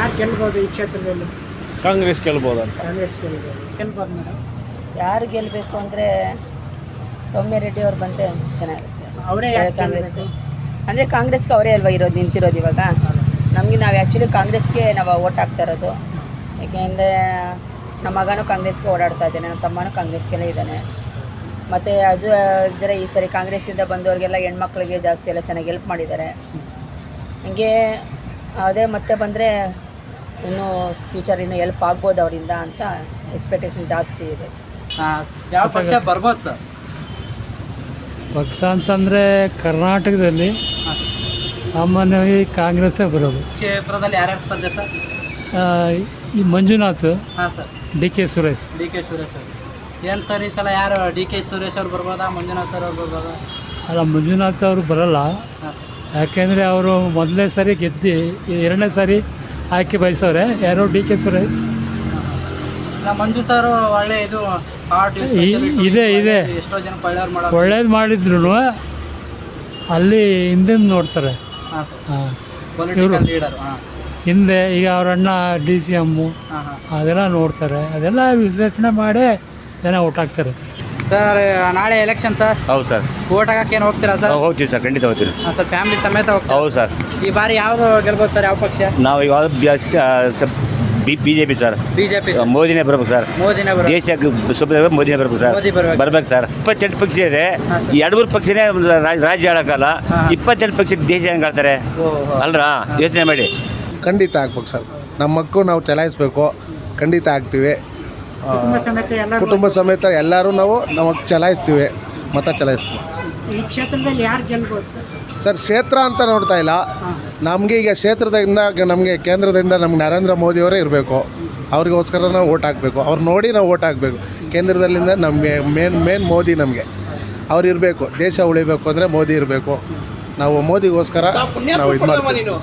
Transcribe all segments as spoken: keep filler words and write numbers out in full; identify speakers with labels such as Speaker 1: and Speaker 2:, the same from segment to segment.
Speaker 1: ಯಾರು ಗೆಲ್ಬೋದು ಈ ಕ್ಷೇತ್ರದಲ್ಲಿ?
Speaker 2: ಕಾಂಗ್ರೆಸ್ ಗೆಲ್ಬೋದು ಅಂತ.
Speaker 1: ಕಾಂಗ್ರೆಸ್ ಗೆಲ್ಬೋದು ಗೆಲ್ಬೋದು ಮೇಡಮ್.
Speaker 3: ಯಾರು ಗೆಲ್ಲಬೇಕು ಅಂದರೆ ಸೌಮ್ಯ ರೆಡ್ಡಿ ಅವ್ರು ಬಂದರೆ ಚೆನ್ನಾಗಿರುತ್ತೆ.
Speaker 1: ಅವರೇ
Speaker 3: ಕಾಂಗ್ರೆಸ್ ಅಂದರೆ ಕಾಂಗ್ರೆಸ್ಗೆ ಅವರೇ ಅಲ್ವಾ ಇರೋದು, ನಿಂತಿರೋದು ಇವಾಗ. ನಮಗೆ ನಾವು ಆ್ಯಕ್ಚುಲಿ ಕಾಂಗ್ರೆಸ್ಗೆ ನಾವು ಓಟ್ ಹಾಕ್ತಾ ಇರೋದು. ಏಕೆಂದರೆ ನಮ್ಮ ಮಗನೂ ಕಾಂಗ್ರೆಸ್ಗೆ ಓಡಾಡ್ತಾ ಇದ್ದಾನೆ, ನಮ್ಮ ತಮ್ಮನೂ ಕಾಂಗ್ರೆಸ್ಗೆಲ್ಲ ಇದ್ದಾನೆ. ಮತ್ತು ಅದು ಇದ್ದರೆ ಈ ಸರಿ ಕಾಂಗ್ರೆಸ್ಸಿಂದ ಬಂದವರಿಗೆಲ್ಲ ಹೆಣ್ಮಕ್ಳಿಗೆ ಜಾಸ್ತಿ ಎಲ್ಲ ಚೆನ್ನಾಗಿ ಹೆಲ್ಪ್ ಮಾಡಿದ್ದಾರೆ. ಹೀಗೆ ಅದೇ ಮತ್ತೆ ಬಂದರೆ ಇನ್ನೂ ಫ್ಯೂಚರ್ ಇನ್ನೂ ಹೆಲ್ಪ್ ಆಗ್ಬೋದು ಅವರಿಂದ ಅಂತ ಎಕ್ಸ್ಪೆಕ್ಟೇಷನ್ ಜಾಸ್ತಿ ಇದೆ.
Speaker 4: ಯಾವ ಪಕ್ಷ ಬರ್ಬೋದು ಸರ್?
Speaker 5: ಪಕ್ಷ ಅಂತಂದರೆ ಕರ್ನಾಟಕದಲ್ಲಿ ಸಾಮಾನ್ಯವಾಗಿ ಕಾಂಗ್ರೆಸ್ಸೇ ಬರೋದು.
Speaker 4: ಕ್ಷೇತ್ರದಲ್ಲಿ ಯಾರ್ಯಾರು ಸ್ಪರ್ಧೆ ಸರ್?
Speaker 5: ಈ ಮಂಜುನಾಥ್,
Speaker 4: ಹಾಂ ಸರ್,
Speaker 5: ಡಿ ಕೆ ಸುರೇಶ್.
Speaker 4: ಡಿ ಕೆ ಸುರೇಶ್ ಅವರು ಏನು ಸರ್ ಈ ಸಲ ಯಾರು? ಡಿ ಕೆ ಸುರೇಶ್ ಅವ್ರು ಬರ್ಬೋದಾ, ಮಂಜುನಾಥ್ ಸರ್ ಅವ್ರು ಬರ್ಬೋದಾ?
Speaker 5: ಅಲ್ಲ, ಮಂಜುನಾಥ್ ಅವರು ಬರೋಲ್ಲ.
Speaker 4: ಹಾಂ ಸರ್.
Speaker 5: ಯಾಕೆಂದರೆ ಅವರು ಮೊದಲನೇ ಸಾರಿ ಗೆದ್ದು ಎರಡನೇ ಸಾರಿ ಆಯ್ಕೆ ಬಯಸವ್ರೆ. ಯಾರೋ ಡಿ ಕೆ ಸುರೇಶ್.
Speaker 4: ಮಂಜು ಸರ್ ಒಳ್ಳೆ ಇದು
Speaker 5: ಇದೆ ಇದೆ
Speaker 4: ಎಷ್ಟೋ ಜನ ಒಳ್ಳೆಯವ್ರು ಮಾಡೋದು,
Speaker 5: ಒಳ್ಳೇದು ಮಾಡಿದ್ರು ಅಲ್ಲಿ ಹಿಂದೆ ನೋಡ್ತಾರೆ.
Speaker 4: ಹಾಂ ಸರ್,
Speaker 5: ಹಾಂ,
Speaker 4: ಪೊಲಿಟಿಕಲ್ ಲೀಡರ್. ಹಾಂ,
Speaker 5: ಹಿಂದೆ ಈಗ ಅವ್ರ ಅಣ್ಣ ಡಿ ಸಿ ಎಮ್ಮು
Speaker 4: ಹಾಂ ಹಾಂ
Speaker 5: ಅದೆಲ್ಲ ನೋಡ್ತಾರೆ. ಅದೆಲ್ಲ ವಿಶ್ಲೇಷಣೆ ಮಾಡಿ ಜನ ಓಟ್ ಹಾಕ್ತಾರೆ.
Speaker 4: ಸರ್ ನಾಳೆ ಎಲೆಕ್ಷನ್ ಸರ್.
Speaker 2: ಹೌದು ಸರ್.
Speaker 4: ಓಟ್ ಹಾಕಕ್ಕೆ ಏನು ಹೋಗ್ತೀರಾ ಸರ್?
Speaker 2: ಹೋಗ್ತೀವಿ ಸರ್, ಖಂಡಿತ ಹೋಗ್ತೀವಿ.
Speaker 4: ಹಾಂ ಸರ್, ಫ್ಯಾಮಿಲಿ ಸಮೇತ ಹೋಗ್ತೀರಾ?
Speaker 2: ಹೌದು ಸರ್.
Speaker 4: ಈ ಬಾರಿ ಯಾವುದು ಗೆಲ್ಬೋದು ಸರ್? ಯಾವ ಪಕ್ಷ?
Speaker 2: ನಾವು ಇವಾಗ B BJP sir.
Speaker 4: BJP.
Speaker 2: ಮೋದಿನೇ ಬರ್ಬೇಕು ಸರ್.
Speaker 4: ಮೋದಿನೇ ಬರ
Speaker 2: ದೇಶಕ್ಕೆ ಸುಮ್ಮನೆ ಮೋದಿನೇ ಬರ್ಬೇಕು ಸರ್.
Speaker 4: ಮೋದಿ ಬರ್ಬೇಕು.
Speaker 2: ಬರ್ಬೇಕು ಸರ್. ಇಪ್ಪತ್ತೆಂಟು ಪಕ್ಷ ಇದೆ. ಎರಡು ಮೂರು ಪಕ್ಷನೇ ರಾಜ್ಯ ಆಳಕ್ಕಲ್ಲ. ಇಪ್ಪತ್ತೆಂಟು ಪಕ್ಷ ದೇಶ ಹೆಂಗೆ ಆಳ್ತಾರೆ ಅಲ್ರಾ? ಯೋಚನೆ ಮಾಡಿ.
Speaker 6: ಖಂಡಿತ ಆಗ್ಬೇಕು ಸರ್. ನಮ್ಮ ಮಕ್ಕಳು ನಾವು ಚಲಾಯಿಸ್ಬೇಕು. ಖಂಡಿತ ಆಗ್ತೀವಿ.
Speaker 1: ಕುಟುಂಬ ಸಮೇತ ಎಲ್ಲ
Speaker 6: ಕುಟುಂಬ ಸಮೇತ ಎಲ್ಲರೂ ನಾವು ನಾವು ಚಲಾಯಿಸ್ತೀವಿ, ಮತ ಚಲಾಯಿಸ್ತೀವಿ.
Speaker 1: ಈ ಕ್ಷೇತ್ರದಲ್ಲಿ ಯಾರು ಗೆಲ್ಬೋದು ಸರ್?
Speaker 6: ಸರ್, ಕ್ಷೇತ್ರ ಅಂತ ನೋಡ್ತಾ ಇಲ್ಲ. ನಮಗೆ ಈಗ ಕ್ಷೇತ್ರದಿಂದ ನಮಗೆ ಕೇಂದ್ರದಿಂದ ನಮ್ಗೆ ನರೇಂದ್ರ ಮೋದಿಯವರೇ ಇರಬೇಕು. ಅವ್ರಿಗೋಸ್ಕರ ನಾವು ಓಟ್ ಹಾಕಬೇಕು. ಅವ್ರು ನೋಡಿ ನಾವು ಓಟ್ ಹಾಕಬೇಕು. ಕೇಂದ್ರದಲ್ಲಿಂದ ನಮಗೆ ಮೇನ್ ಮೇನ್ ಮೋದಿ ನಮಗೆ ಅವ್ರು ಇರಬೇಕು. ದೇಶ ಉಳಿಬೇಕು ಅಂದರೆ ಮೋದಿ ಇರಬೇಕು. ನಾವು ಮೋದಿಗೋಸ್ಕರ ನಾವು ಇದು ಮಾಡ್ತೀವಿ.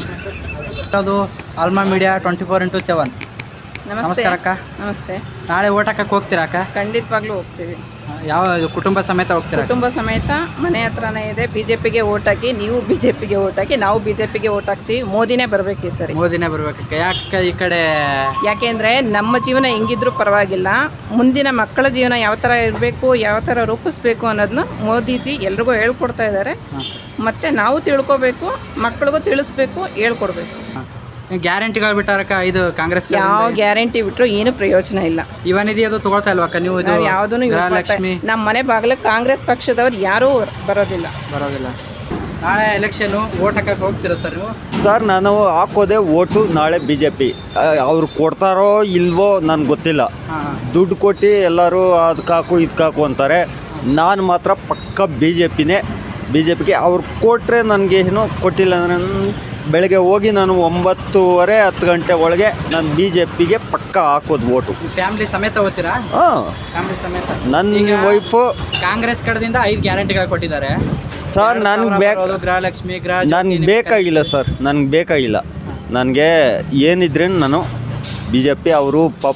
Speaker 4: ಅದು Alma media twenty four into seven.
Speaker 3: ನಮಸ್ತೆ
Speaker 4: ನಮಸ್ಕಾರ ಅಕ್ಕ.
Speaker 3: ನಮಸ್ತೆ.
Speaker 4: ನಾಳೆ ಓಟ್ ಹಾಕಕ್ಕೆ ಹೋಗ್ತೀರಾ ಅಕ್ಕ?
Speaker 3: ಖಂಡಿತವಾಗ್ಲೂ ಹೋಗ್ತೀವಿ.
Speaker 4: ಯಾವ ಕುಟುಂಬ ಸಮೇತ ಹೋಗ್ತೀರಾ?
Speaker 3: ಕುಟುಂಬ ಸಮೇತ ಮನೆ ಹತ್ರನೇ ಇದೆ. ಬಿ ಜೆ ಪಿಗೆ ಓಟ್ ಹಾಕಿ, ನೀವು ಬಿ ಜೆ ಪಿಗೆ ಓಟ್ ಹಾಕಿ, ನಾವು ಬಿ ಜೆ ಪಿಗೆ ಓಟ್ ಹಾಕ್ತೀವಿ. ಮೋದಿನೇ ಬರಬೇಕು ಈ ಸರಿ.
Speaker 4: ಮೋದಿನೇ ಬರ್ಬೇಕಕ್ಕ. ಯಾಕೆ ಈ ಕಡೆ?
Speaker 3: ಯಾಕೆಂದರೆ ನಮ್ಮ ಜೀವನ ಹೆಂಗಿದ್ರೂ ಪರವಾಗಿಲ್ಲ, ಮುಂದಿನ ಮಕ್ಕಳ ಜೀವನ ಯಾವ ಥರ ಇರಬೇಕು, ಯಾವ ಥರ ರೂಪಿಸ್ಬೇಕು ಅನ್ನೋದನ್ನ ಮೋದಿಜಿ ಎಲ್ರಿಗೂ ಹೇಳ್ಕೊಡ್ತಾ ಇದ್ದಾರೆ. ಮತ್ತು ನಾವು ತಿಳ್ಕೊಬೇಕು, ಮಕ್ಕಳಿಗೂ ತಿಳಿಸ್ಬೇಕು, ಹೇಳ್ಕೊಡ್ಬೇಕು.
Speaker 4: ಗ್ಯಾರಂಟಿಗಳು ಬಿಟ್ಟಾರಕ್ಕ ಇದು ಕಾಂಗ್ರೆಸ್.
Speaker 3: ಯಾವ ಗ್ಯಾರಂಟಿ ಬಿಟ್ಟರು ಏನು ಪ್ರಯೋಜನ ಇಲ್ಲ.
Speaker 4: ಇವನಿದೆ ಅದು ತಗೊಳ್ತಾ ಇಲ್ವಕ್ಕ ನೀವು? ಇದು
Speaker 3: ಯಾವುದೂ
Speaker 4: ಲಕ್ಷ್ಮಿ
Speaker 3: ನಮ್ಮ ಮನೆ ಬಾಗಿಲಿಗೆ ಕಾಂಗ್ರೆಸ್ ಪಕ್ಷದವ್ರು ಯಾರೂ ಬರೋದಿಲ್ಲ
Speaker 4: ಬರೋದಿಲ್ಲ. ನಾಳೆ ಎಲೆಕ್ಷನು ಓಟ್ ಹಾಕಕ್ಕೆ ಹೋಗ್ತೀರಾ ಸರ್ ನೀವು?
Speaker 7: ಸರ್, ನಾನು ಹಾಕೋದೆ ಓಟು ನಾಳೆ ಬಿ ಜೆ ಪಿ. ಅವ್ರು ಕೊಡ್ತಾರೋ ಇಲ್ವೋ ನನಗೆ ಗೊತ್ತಿಲ್ಲ. ದುಡ್ಡು ಕೊಟ್ಟು ಎಲ್ಲರೂ ಅದಕ್ಕೆ ಹಾಕು ಇದಕ್ಕೆ ಹಾಕು ಅಂತಾರೆ. ನಾನು ಮಾತ್ರ ಪಕ್ಕ ಬಿ ಜೆ ಪಿನೇ. ಬಿ ಜೆ ಪಿಗೆ ಅವ್ರು ಕೊಟ್ಟರೆ ನನಗೆ ಏನೋ ಕೊಟ್ಟಿಲ್ಲ ಅಂದರೆ ಬೆಳಗ್ಗೆ ಹೋಗಿ ನಾನು ಒಂಬತ್ತುವರೆ ಹತ್ತು ಗಂಟೆ ಒಳಗೆ ನಾನು ಬಿ ಜೆ ಪಿಗೆ ಪಕ್ಕ ಹಾಕೋದು ಓಟು.
Speaker 4: ಫ್ಯಾಮಿಲಿ ಸಮೇತ ಹೋಗ್ತೀರಾ?
Speaker 7: ಹಾಂ,
Speaker 4: ಫ್ಯಾಮಿಲಿ ಸಮೇತ.
Speaker 7: ನನ್ನ ವೈಫು
Speaker 4: ಕಾಂಗ್ರೆಸ್ ಕಡೆಯಿಂದ ಐದು ಗ್ಯಾರಂಟಿಗಳು ಕೊಟ್ಟಿದ್ದಾರೆ
Speaker 7: ಸರ್. ನನಗೆ ಬೇಕು,
Speaker 4: ಗೃಹಲಕ್ಷ್ಮಿ, ಗೃಹ
Speaker 7: ನನಗೆ ಬೇಕಾಗಿಲ್ಲ ಸರ್. ನನಗೆ ಬೇಕಾಗಿಲ್ಲ. ನನಗೆ ಏನಿದ್ರೆ ನಾನು ಬಿ ಜೆ ಪಿ ಅವರು ಪಾಪ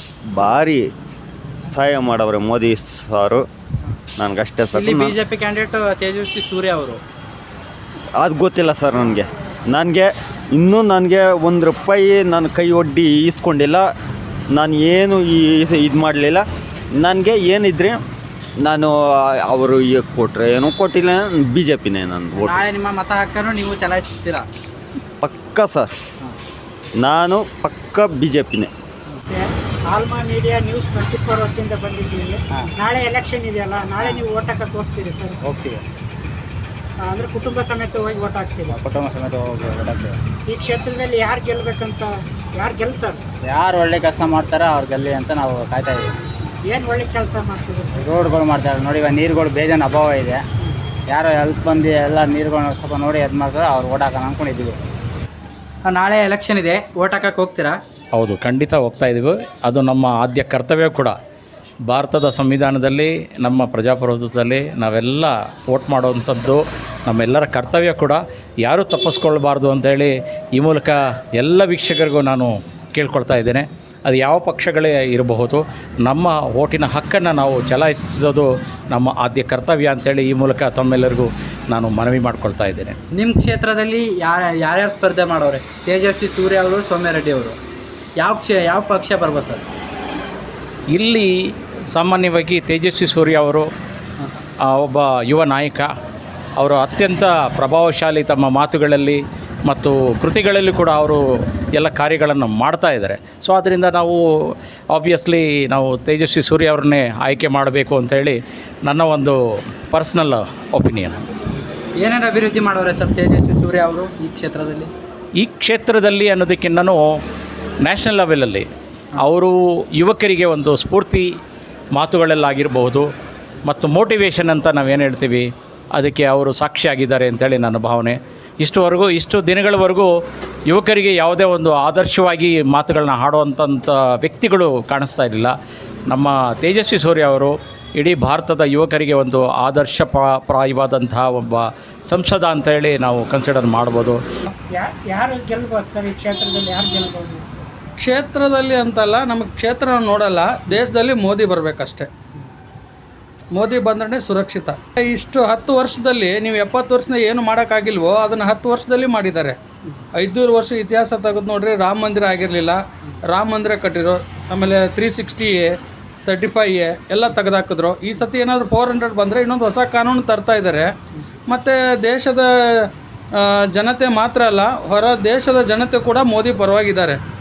Speaker 7: ಭಾರಿ ಸಹಾಯ ಮಾಡವ್ರೆ ಮೋದಿ ಸಾರು. ನನಗಷ್ಟೇ sir.
Speaker 4: BJP candidate Tejasvi Surya ಅವರು.
Speaker 7: ಅದು ಗೊತ್ತಿಲ್ಲ ಸರ್ ನನಗೆ. ನನಗೆ ಇನ್ನೂ ನನಗೆ ಒಂದು ರೂಪಾಯಿ ನನ್ನ ಕೈ ಒಡ್ಡಿ ಈಸ್ಕೊಂಡಿಲ್ಲ. ನಾನು ಏನು ಈ ಇದು ಮಾಡಲಿಲ್ಲ. ನನಗೆ ಏನಿದ್ರೆ ನಾನು ಅವರು ಈಗ ಕೊಟ್ಟರೆ ಏನೂ ಕೊಟ್ಟಿಲ್ಲ. ಬಿ ಜೆ ಪಿನೇ ನನ್ನ ಓಟ್.
Speaker 4: ನಾಳೆ ನಿಮ್ಮ ಮತ ಹಾಕನ್ನು ನೀವು ಚಲಾಯಿಸ್ತೀರಾ?
Speaker 7: ಪಕ್ಕ ಸರ್, ನಾನು ಪಕ್ಕ ಬಿ ಜೆ ಪಿನೇ.
Speaker 1: Alma media news twenty four ಹೊತ್ತಿಂದ ಬಂದಿದ್ದೀವಿ. ನಾಳೆ ಎಲೆಕ್ಷನ್ ಇದೆಯಲ್ಲ, ನಾಳೆ ನೀವು ಓಟ್ ಹಾಕಕ್ಕೆ ಹೋಗ್ತೀರಿ ಸರ್?
Speaker 2: ಹೋಗ್ತೀವಿ.
Speaker 1: ಅಂದರೆ ಕುಟುಂಬ ಸಮೇತ ಹೋಗಿ ಓಟ್ ಹಾಕ್ತೀವಿ.
Speaker 2: ಕುಟುಂಬ ಸಮೇತ ಹೋಗಿ ಓಟ್ ಹಾಕ್ತೀವಿ.
Speaker 1: ಈ ಕ್ಷೇತ್ರದಲ್ಲಿ ಯಾರು ಗೆಲ್ಲಬೇಕಂತ, ಯಾರು ಗೆಲ್ತಾರೆ?
Speaker 8: ಯಾರು ಒಳ್ಳೆ ಕೆಲಸ ಮಾಡ್ತಾರೋ ಅವ್ರು ಗೆಲ್ಲಿ ಅಂತ ನಾವು ಕಾಯ್ತಾ ಇದ್ದೀವಿ.
Speaker 1: ಏನು ಒಳ್ಳೆ ಕೆಲಸ ಮಾಡ್ತಿದ್ರು?
Speaker 8: ರೋಡ್ಗಳು ಮಾಡ್ತಾರೆ ನೋಡಿ. ಇವಾಗ ನೀರುಗಳು ಬೇಜಾನ್ ಅಭಾವ ಇದೆ. ಯಾರೋ ಹೆಲ್ಪ್ ಬಂದು ಎಲ್ಲ ನೀರುಗಳನ್ನ ಸ್ವಲ್ಪ ನೋಡಿ ಇದು ಮಾಡ್ತಾರೆ, ಅವ್ರು ಓಟ್ ಹಾಕೋಣ ಅಂದ್ಕೊಂಡಿದ್ದೀವಿ.
Speaker 4: ನಾಳೆ ಎಲೆಕ್ಷನ್ ಇದೆ, ಓಟ್ ಹಾಕಕ್ಕೆ ಹೋಗ್ತೀರಾ?
Speaker 9: ಹೌದು, ಖಂಡಿತ ಹೋಗ್ತಾ ಇದ್ದೀವಿ. ಅದು ನಮ್ಮ ಆದ್ಯ ಕರ್ತವ್ಯ ಕೂಡ. ಭಾರತದ ಸಂವಿಧಾನದಲ್ಲಿ, ನಮ್ಮ ಪ್ರಜಾಪ್ರಭುತ್ವದಲ್ಲಿ ನಾವೆಲ್ಲ ವೋಟ್ ಮಾಡುವಂಥದ್ದು ನಮ್ಮೆಲ್ಲರ ಕರ್ತವ್ಯ ಕೂಡ. ಯಾರೂ ತಪ್ಪಿಸ್ಕೊಳ್ಬಾರ್ದು ಅಂಥೇಳಿ ಈ ಮೂಲಕ ಎಲ್ಲ ವೀಕ್ಷಕರಿಗೂ ನಾನು ಕೇಳ್ಕೊಳ್ತಾ ಇದ್ದೇನೆ. ಅದು ಯಾವ ಪಕ್ಷಗಳೇ ಇರಬಹುದು, ನಮ್ಮ ಓಟಿನ ಹಕ್ಕನ್ನು ನಾವು ಚಲಾಯಿಸೋದು ನಮ್ಮ ಆದ್ಯ ಕರ್ತವ್ಯ ಅಂತೇಳಿ ಈ ಮೂಲಕ ತಮ್ಮೆಲ್ಲರಿಗೂ ನಾನು ಮನವಿ ಮಾಡ್ಕೊಳ್ತಾ ಇದ್ದೇನೆ.
Speaker 4: ನಿಮ್ಮ ಕ್ಷೇತ್ರದಲ್ಲಿ ಯಾರ ಯಾರ್ಯಾರು ಸ್ಪರ್ಧೆ ಮಾಡೋರೆ? ತೇಜಸ್ವಿ ಸೂರ್ಯ ಅವರು, ಸೌಮ್ಯರೆಡ್ಡಿ ಅವರು. ಯಾವ ಕ್ಷೇ ಯಾವ ಪಕ್ಷ ಬರ್ಬೋದು ಸರ್?
Speaker 9: ಇಲ್ಲಿ ಸಾಮಾನ್ಯವಾಗಿ ತೇಜಸ್ವಿ ಸೂರ್ಯ ಅವರು ಆ, ಒಬ್ಬ ಯುವ ನಾಯಕ. ಅವರು ಅತ್ಯಂತ ಪ್ರಭಾವಶಾಲಿ, ತಮ್ಮ ಮಾತುಗಳಲ್ಲಿ ಮತ್ತು ಕೃತಿಗಳಲ್ಲಿ ಕೂಡ ಅವರು ಎಲ್ಲ ಕಾರ್ಯಗಳನ್ನು ಮಾಡ್ತಾ ಇದ್ದಾರೆ. ಸೊ ಆದ್ದರಿಂದ ನಾವು ಆಬ್ವಿಯಸ್ಲಿ ನಾವು ತೇಜಸ್ವಿ ಸೂರ್ಯ ಅವ್ರನ್ನೇ ಆಯ್ಕೆ ಮಾಡಬೇಕು ಅಂತೇಳಿ ನನ್ನ ಒಂದು ಪರ್ಸ್ನಲ್ ಒಪಿನಿಯನ್.
Speaker 4: ಏನೇನು ಅಭಿವೃದ್ಧಿ ಮಾಡೋರೆ ಸರ್ ತೇಜಸ್ವಿ ಸೂರ್ಯ ಅವರು ಈ ಕ್ಷೇತ್ರದಲ್ಲಿ?
Speaker 9: ಈ ಕ್ಷೇತ್ರದಲ್ಲಿ ಅನ್ನೋದಕ್ಕಿಂತನೂ ನ್ಯಾಷನಲ್ ಲೆವೆಲಲ್ಲಿ ಅವರು ಯುವಕರಿಗೆ ಒಂದು ಸ್ಫೂರ್ತಿ ಮಾತುಗಳಲ್ಲಾಗಿರಬಹುದು ಮತ್ತು ಮೋಟಿವೇಶನ್ ಅಂತ ನಾವೇನು ಹೇಳ್ತೀವಿ ಅದಕ್ಕೆ ಅವರು ಸಾಕ್ಷಿಯಾಗಿದ್ದಾರೆ ಅಂತೇಳಿ ನನ್ನ ಭಾವನೆ. ಇಷ್ಟುವರೆಗೂ ಇಷ್ಟು ದಿನಗಳವರೆಗೂ ಯುವಕರಿಗೆ ಯಾವುದೇ ಒಂದು ಆದರ್ಶವಾಗಿ ಮಾತುಗಳನ್ನ ಹಾಡುವಂಥ ವ್ಯಕ್ತಿಗಳು ಕಾಣಿಸ್ತಾ ಇರಲಿಲ್ಲ. ನಮ್ಮ ತೇಜಸ್ವಿ ಸೂರ್ಯ ಅವರು ಇಡೀ ಭಾರತದ ಯುವಕರಿಗೆ ಒಂದು ಆದರ್ಶ ಪ್ರಾಯವಾದಂತಹ ಒಬ್ಬ ಸಂಸದ ಅಂತೇಳಿ ನಾವು ಕನ್ಸಿಡರ್ ಮಾಡ್ಬೋದು.
Speaker 1: ಯಾ ಯಾರು ಗೆಲ್ಬೋದು ಸರ್ ಈ ಕ್ಷೇತ್ರದಲ್ಲಿ? ಯಾರು ಗೆಲ್ಬೋದು?
Speaker 10: ಕ್ಷೇತ್ರದಲ್ಲಿ ಅಂತಲ್ಲ, ನಮಗೆ ಕ್ಷೇತ್ರ ನೋಡಲ್ಲ, ದೇಶದಲ್ಲಿ ಮೋದಿ ಬರಬೇಕಷ್ಟೆ. ಮೋದಿ ಬಂದ್ರೆ ಸುರಕ್ಷಿತ. ಇಷ್ಟು ಹತ್ತು ವರ್ಷದಲ್ಲಿ ನೀವು ಎಪ್ಪತ್ತು ವರ್ಷದ ಏನು ಮಾಡೋಕ್ಕಾಗಿಲ್ವೋ ಅದನ್ನು ಹತ್ತು ವರ್ಷದಲ್ಲಿ ಮಾಡಿದ್ದಾರೆ. ಐದುನೂರು ವರ್ಷ ಇತಿಹಾಸ ತೆಗೆದು ನೋಡ್ರಿ, ರಾಮ ಮಂದಿರ ಆಗಿರಲಿಲ್ಲ, ರಾಮ ಮಂದಿರ ಕಟ್ಟಿರೋ, ಆಮೇಲೆ three sixty A thirty five A ಎಲ್ಲ ತೆಗೆದಾಕಿದ್ರು. ಈ ಸತಿ ಏನಾದರೂ ಫೋರ್ ಹಂಡ್ರೆಡ್ ಬಂದರೆ ಇನ್ನೊಂದು ಹೊಸ ಕಾನೂನು ತರ್ತಾ ಇದ್ದಾರೆ. ಮತ್ತು ದೇಶದ ಜನತೆ ಮಾತ್ರ ಅಲ್ಲ, ಹೊರ ದೇಶದ ಜನತೆ ಕೂಡ ಮೋದಿ ಪರವಾಗಿದ್ದಾರೆ.